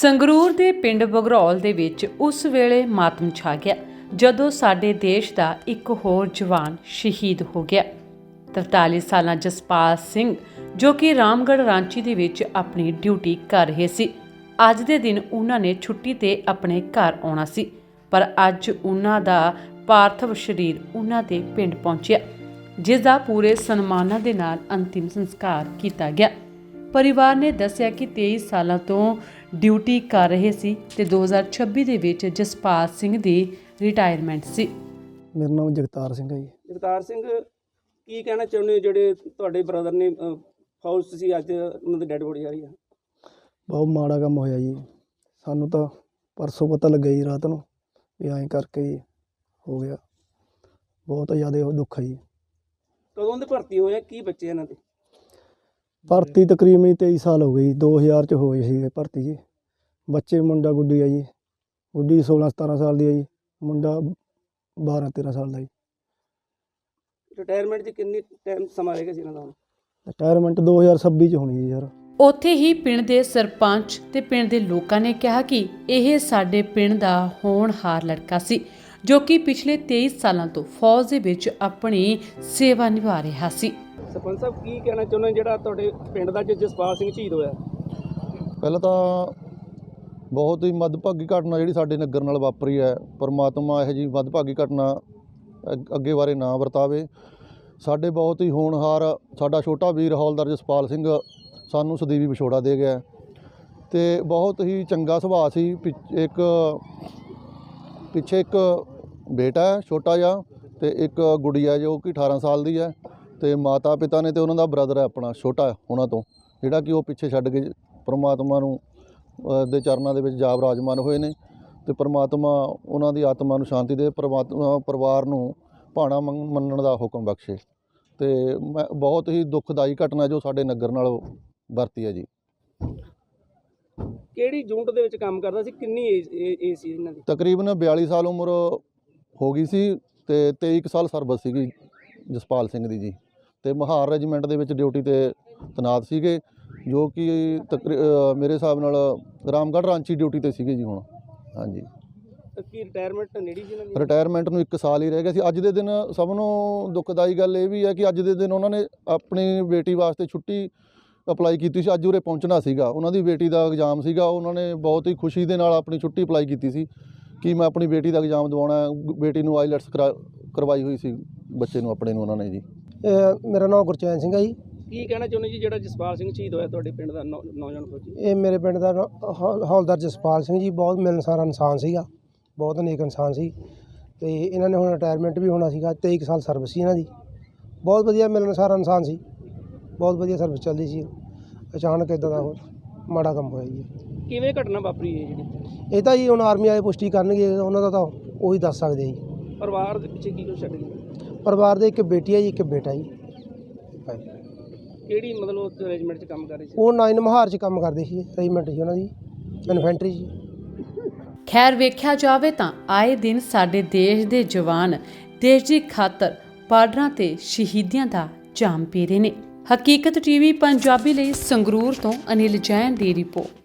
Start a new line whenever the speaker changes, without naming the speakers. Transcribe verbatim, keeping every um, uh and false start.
ਸੰਗਰੂਰ ਦੇ ਪਿੰਡ ਬਗਰੌਲ ਦੇ ਵਿੱਚ ਉਸ ਵੇਲੇ ਮਾਤਮ ਛਾ ਗਿਆ ਜਦੋਂ ਸਾਡੇ ਦੇਸ਼ ਦਾ ਇੱਕ ਹੋਰ ਜਵਾਨ ਸ਼ਹੀਦ ਹੋ ਗਿਆ। ਤਰਤਾਲੀ ਸਾਲਾਂ ਜਸਪਾਲ ਸਿੰਘ ਜੋ ਕਿ ਰਾਮਗੜ੍ਹ ਰਾਂਚੀ ਦੇ ਵਿੱਚ ਆਪਣੀ ਡਿਊਟੀ ਕਰ ਰਹੇ ਸੀ। ਅੱਜ ਦੇ ਦਿਨ ਉਹਨਾਂ ਨੇ ਛੁੱਟੀ ਤੇ ਆਪਣੇ ਘਰ ਆਉਣਾ ਸੀ, ਪਰ ਅੱਜ ਉਹਨਾਂ ਦਾ ਪਾਰਥਿਵ ਸਰੀਰ ਉਹਨਾਂ ਦੇ ਪਿੰਡ ਪਹੁੰਚਿਆ, ਜਿਸ ਦਾ ਪੂਰੇ ਸਨਮਾਨਾਂ ਦੇ ਨਾਲ ਅੰਤਿਮ ਸੰਸਕਾਰ ਕੀਤਾ ਗਿਆ। ਪਰਿਵਾਰ ਨੇ ਦੱਸਿਆ ਕਿ ਤੇਈ ਸਾਲਾਂ ਤੋਂ ਡਿਊਟੀ ਕਰ ਰਹੇ ਸੀ ਤੇ ਦੋ ਹਜ਼ਾਰ ਛੱਬੀ ਦੇ ਵਿੱਚ ਜਸਪਾਲ ਸਿੰਘ ਦੀ ਰਿਟਾਇਰਮੈਂਟ ਸੀ।
ਮੇਰਾ ਨਾਮ ਜਗਤਾਰ ਸਿੰਘ ਹੈ ਜੀ।
ਜਗਤਾਰ ਸਿੰਘ, ਕੀ ਕਹਿਣਾ ਚਾਹੁੰਦੇ ਹੋ ਜਿਹੜੇ ਤੁਹਾਡੇ ਬ੍ਰਦਰ ਨੇ ਫੌਜ 'ਚ ਸੀ, ਅੱਜ ਉਹਨਾਂ ਦੀ ਡੈਡ ਬੋਡੀ ਆ ਰਹੀ ਆ?
ਬਹੁਤ ਮਾੜਾ ਕੰਮ ਹੋਇਆ ਜੀ। ਸਾਨੂੰ ਤਾਂ ਪਰਸੋਂ ਪਤਾ ਲੱਗਿਆ ਜੀ ਰਾਤ ਨੂੰ ਵੀ ਐਂ ਕਰਕੇ ਜੀ ਹੋ ਗਿਆ। ਬਹੁਤ ਜ਼ਿਆਦਾ ਦੁੱਖ ਹੈ ਜੀ।
ਕਦੋਂ ਦੇ ਭਰਤੀ ਹੋਏ ਆ, ਕੀ ਬੱਚੇ ਇਹਨਾਂ ਦੇ?
ਭਰਤੀ ਤਕਰੀਬਨ ਤੇਈ ਸਾਲ ਹੋ ਗਏ ਜੀ। ਦੋ ਹਜ਼ਾਰ 'ਚ ਹੋਏ ਸੀਗੇ ਭਰਤੀ ਜੀ। ਬੱਚੇ ਮੁੰਡਾ ਗੁੱਡੀ ਆ ਜੀ। ਗੁੱਡੀ ਸੋਲਾਂ ਸਤਾਰਾਂ ਸਾਲ ਦੀ ਹੈ ਜੀ, ਮੁੰਡਾ ਬਾਰਾਂ ਤੇਰਾਂ ਸਾਲ ਦਾ ਜੀ।
ਰਿਟਾਇਰਮੈਂਟ 'ਚ ਕਿੰਨੀ ਟਾਈਮ ਸਮਾਂ ਰਹੇਗਾ ਸੀ ਇਹਨਾਂ ਦਾ?
ਰਿਟਾਇਰਮੈਂਟ ਦੋ ਹਜ਼ਾਰ ਛੱਬੀ 'ਚ ਹੋਣੀ ਜੀ ਯਾਰ।
ਉੱਥੇ ਹੀ ਪਿੰਡ ਦੇ ਸਰਪੰਚ ਤੇ ਪਿੰਡ ਦੇ ਲੋਕਾਂ ਨੇ ਕਿਹਾ ਕਿ ਇਹ ਸਾਡੇ ਪਿੰਡ ਦਾ ਹੋਣਹਾਰ ਲੜਕਾ ਸੀ ਜੋ ਕਿ ਪਿਛਲੇ ਤੇਈ ਸਾਲਾਂ ਤੋਂ ਫੌਜ ਦੇ ਵਿੱਚ ਆਪਣੀ ਸੇਵਾ ਨਿਭਾ ਰਿਹਾ ਸੀ।
ਸਰਪੰਚ ਸਾਹਿਬ, ਕੀ ਕਹਿਣਾ ਚਾਹੁੰਦੇ ਹੋ ਜਿਹੜਾ ਤੁਹਾਡੇ ਪਿੰਡ ਦਾ ਜਸਪਾਲ ਸਿੰਘ ਸ਼ਹੀਦ ਹੋਇਆ?
ਪਹਿਲਾਂ ਤਾਂ ਬਹੁਤ ਹੀ ਮੱਦਭਾਗੀ ਘਟਨਾ ਜਿਹੜੀ ਸਾਡੇ ਨਗਰ ਨਾਲ ਵਾਪਰੀ ਹੈ। ਪਰਮਾਤਮਾ ਇਹੋ ਜਿਹੀ ਮੱਦਭਾਗੀ ਘਟਨਾ ਅ- ਅੱਗੇ ਬਾਰੇ ਨਾ ਵਰਤਾਵੇ। ਸਾਡੇ ਬਹੁਤ ਹੀ ਹੋਣਹਾਰ ਸਾਡਾ ਛੋਟਾ ਵੀਰ ਹੌਲਦਾਰ ਜਸਪਾਲ ਸਿੰਘ ਸਾਨੂੰ ਸਦੀਵੀ ਵਿਛੋੜਾ ਦੇ ਗਿਆ ਅਤੇ ਬਹੁਤ ਹੀ ਚੰਗਾ ਸੁਭਾਅ ਸੀ। ਪਿ- ਇੱਕ ਪਿੱਛੇ ਇੱਕ ਬੇਟਾ ਹੈ ਛੋਟਾ ਜਿਹਾ ਅਤੇ ਇੱਕ ਗੁੜੀਆ ਜੋ ਕਿ ਅਠਾਰਾਂ ਸਾਲ ਦੀ ਹੈ, ਅਤੇ ਮਾਤਾ ਪਿਤਾ ਨੇ ਅਤੇ ਉਹਨਾਂ ਦਾ ਬ੍ਰਦਰ ਹੈ ਆਪਣਾ ਛੋਟਾ ਉਹਨਾਂ ਤੋਂ, ਜਿਹੜਾ ਕਿ ਉਹ ਪਿੱਛੇ ਛੱਡ ਕੇ ਪਰਮਾਤਮਾ ਨੂੰ ਦੇ ਚਰਨਾਂ ਦੇ ਵਿੱਚ ਜਾ ਵਿਰਾਜਮਾਨ ਹੋਏ ਨੇ। ਅਤੇ ਪਰਮਾਤਮਾ ਉਹਨਾਂ ਦੀ ਆਤਮਾ ਨੂੰ ਸ਼ਾਂਤੀ ਦੇ, ਪਰਮਾਤਮਾ ਪਰਿਵਾਰ ਨੂੰ ਭਾਣਾ ਮੰਨ ਮੰਨਣ ਦਾ ਹੁਕਮ ਬਖਸ਼ੇ। ਅਤੇ ਮੈਂ ਬਹੁਤ ਹੀ ਦੁੱਖਦਾਈ ਘਟਨਾ ਜੋ ਸਾਡੇ ਨਗਰ ਨਾਲ ਵਰਤੀ ਹੈ ਜੀ।
ਕਿਹੜੀ ਯੂਨਿਟ ਦੇ ਵਿੱਚ ਕੰਮ ਕਰਦਾ ਸੀ? ਕਿੰਨੀ ਏਜ ਏਜ ਸੀ ਇਹਨਾਂ ਦੀ?
ਤਕਰੀਬਨ ਬਿਆਲੀ ਸਾਲ ਉਮਰ ਹੋ ਗਈ ਸੀ ਅਤੇ ਤੇਈ ਕੁ ਸਾਲ ਸਰਵਿਸ ਸੀਗੀ ਜਸਪਾਲ ਸਿੰਘ ਦੀ ਜੀ। ਅਤੇ ਮਹਾਰ ਰੈਜੀਮੈਂਟ ਦੇ ਵਿੱਚ ਡਿਊਟੀ 'ਤੇ ਤੈਨਾਤ ਸੀਗੇ, ਜੋ ਕਿ ਤਕਰੀ ਮੇਰੇ ਹਿਸਾਬ ਨਾਲ ਰਾਮਗੜ੍ਹ ਰਾਂਚੀ ਡਿਊਟੀ 'ਤੇ ਸੀਗੇ ਜੀ ਹੁਣ। ਹਾਂਜੀ,
ਕੀ ਰਿਟਾਇਰਮੈਂਟ ਨੇੜੇ ਸੀ ਇਹਨਾਂ ਦੀ?
ਰਿਟਾਇਰਮੈਂਟ ਨੂੰ ਇੱਕ ਸਾਲ ਹੀ ਰਹਿ ਗਿਆ ਸੀ। ਅੱਜ ਦੇ ਦਿਨ ਸਭ ਨੂੰ ਦੁੱਖਦਾਈ ਗੱਲ ਇਹ ਵੀ ਹੈ ਕਿ ਅੱਜ ਦੇ ਦਿਨ ਉਹਨਾਂ ਨੇ ਆਪਣੀ ਬੇਟੀ ਵਾਸਤੇ ਛੁੱਟੀ ਅਪਲਾਈ ਕੀਤੀ ਸੀ। ਅੱਜ ਉਰੇ ਪਹੁੰਚਣਾ ਸੀਗਾ, ਉਹਨਾਂ ਦੀ ਬੇਟੀ ਦਾ ਐਗਜ਼ਾਮ ਸੀਗਾ। ਉਹਨਾਂ ਨੇ ਬਹੁਤ ਹੀ ਖੁਸ਼ੀ ਦੇ ਨਾਲ ਆਪਣੀ ਛੁੱਟੀ ਅਪਲਾਈ ਕੀਤੀ ਸੀ ਕਿ ਮੈਂ ਆਪਣੀ ਬੇਟੀ ਦਾ ਐਗਜ਼ਾਮ ਦਿਵਾਉਣਾ। ਬੇਟੀ ਨੂੰ ਆਈਲੈਟਸ ਕਰਾ ਕਰਵਾਈ ਹੋਈ ਸੀ ਬੱਚੇ ਨੂੰ ਆਪਣੇ ਨੂੰ ਉਹਨਾਂ ਨੇ ਜੀ।
ਮੇਰਾ ਨਾਮ ਗੁਰਚੈਨ ਸਿੰਘ ਹੈ ਜੀ।
ਕੀ ਕਹਿਣਾ ਚਾਹੁੰਦੇ ਜੀ ਜਿਹੜਾ ਜਸਪਾਲ ਸਿੰਘ ਸ਼ਹੀਦ ਹੋਇਆ ਤੁਹਾਡੇ ਪਿੰਡ ਦਾ ਨੌ- ਨੌਜਵਾਨ ਫੌਜੀ?
ਇਹ ਮੇਰੇ ਪਿੰਡ ਦਾ ਹੌ- ਹੌਲਦਾਰ ਜਸਪਾਲ ਸਿੰਘ ਜੀ ਬਹੁਤ ਮਿਲਣਸਾਰ ਇਨਸਾਨ ਸੀਗਾ, ਬਹੁਤ ਨੇਕ ਇਨਸਾਨ ਸੀ। ਅਤੇ ਇਹਨਾਂ ਨੇ ਹੁਣ ਰਿਟਾਇਰਮੈਂਟ ਵੀ ਹੋਣਾ ਸੀਗਾ। ਤੇਈ ਕੁ ਸਾਲ ਸਰਵਿਸ ਸੀ ਇਹਨਾਂ ਦੀ। ਬਹੁਤ ਵਧੀਆ ਮਿਲਣਸਾਰ ਇਨਸਾਨ ਸੀ, ਬਹੁਤ ਵਧੀਆ ਸਰਵਿਸ ਚੱਲਦੀ ਸੀ। ਅਚਾਨਕ ਇੱਦਾਂ ਦਾ ਉਹ ਮਾੜਾ ਕੰਮ ਹੋਇਆ ਜੀ।
ਕਿਵੇਂ ਘਟਨਾ ਵਾਪਰੀ ਹੈ ਜਿਹੜੀ?
ਇਹ ਤਾਂ ਜੀ ਹੁਣ ਆਰਮੀ ਵਾਲੇ ਪੁਸ਼ਟੀ ਕਰਨਗੇ, ਉਹਨਾਂ ਦਾ ਤਾਂ ਉਹੀ ਦੱਸ ਸਕਦੇ ਜੀ।
ਪਰਿਵਾਰ ਦੇ ਪਿੱਛੇ ਕੀ ਕੁਛ ਛੱਡ ਗਏ?
ਪਰਿਵਾਰ ਦੇ ਇੱਕ ਬੇਟੀ ਹੈ ਜੀ, ਇੱਕ ਬੇਟਾ ਜੀ।
ਕਿਹੜੀ ਮਤਲਬ ਰੈਜੀਮੈਂਟ 'ਚ ਕੰਮ ਕਰ ਰਹੇ ਸੀ?
ਉਹ ਨਾਈਨ ਮਹਾਰ 'ਚ ਕੰਮ ਕਰਦੇ ਸੀ, ਰੈਜੀਮੈਂਟ ਸੀ ਉਹਨਾਂ ਦੀ, ਇਨਫੈਂਟਰੀ ਜੀ।
ਖੈਰ, ਵੇਖਿਆ ਜਾਵੇ ਤਾਂ ਆਏ ਦਿਨ ਸਾਡੇ ਦੇਸ਼ ਦੇ ਜਵਾਨ ਦੇਸ਼ ਦੀ ਖਾਤਰ ਬਾਰਡਰਾਂ ਤੇ ਸ਼ਹੀਦੀਆਂ ਦਾ ਜਾਮ ਪੀ ਰਹੇ ਨੇ। ਹਕੀਕਤ ਟੀਵੀ ਪੰਜਾਬੀ ਲਈ ਸੰਗਰੂਰ ਤੋਂ ਅਨਿਲ ਜੈਨ ਦੀ ਰਿਪੋਰਟ।